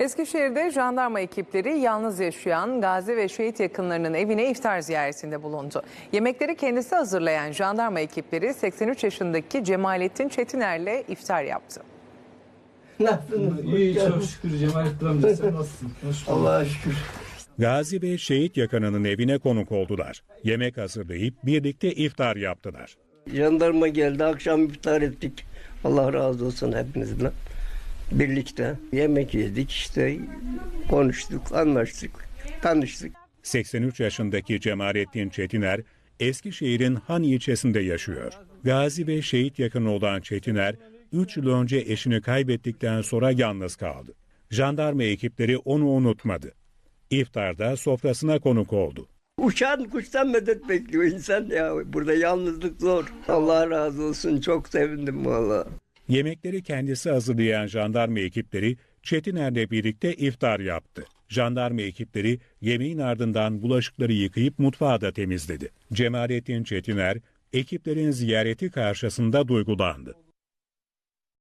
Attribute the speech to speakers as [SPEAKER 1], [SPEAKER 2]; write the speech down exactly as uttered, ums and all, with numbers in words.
[SPEAKER 1] Eskişehir'de jandarma ekipleri yalnız yaşayan gazi ve şehit yakınlarının evine iftar ziyaretinde bulundu. Yemekleri kendisi hazırlayan jandarma ekipleri seksen üç yaşındaki Cemalettin Çetiner'le iftar yaptı.
[SPEAKER 2] Nasılsınız?
[SPEAKER 3] İyi, çok şükür Cemalettin amca, sen nasılsın?
[SPEAKER 2] Allah'a şükür.
[SPEAKER 4] Gazi ve şehit yakınının evine konuk oldular. Yemek hazırlayıp birlikte iftar yaptılar.
[SPEAKER 2] Jandarma geldi, akşam iftar ettik. Allah razı olsun hepinizden. Birlikte yemek yedik, işte konuştuk, anlaştık, tanıştık.
[SPEAKER 4] seksen üç yaşındaki Cemalettin Çetiner, Eskişehir'in Han ilçesinde yaşıyor. Gazi ve şehit yakını olan Çetiner, üç yıl önce eşini kaybettikten sonra yalnız kaldı. Jandarma ekipleri onu unutmadı. İftarda sofrasına konuk oldu.
[SPEAKER 2] Uçan kuştan medet bekliyor insan ya. Burada yalnızlık zor. Allah razı olsun, çok sevindim vallahi.
[SPEAKER 4] Yemekleri kendisi hazırlayan jandarma ekipleri Çetiner'le birlikte iftar yaptı. Jandarma ekipleri yemeğin ardından bulaşıkları yıkayıp mutfağı da temizledi. Cemalettin Çetiner, ekiplerin ziyareti karşısında duygulandı.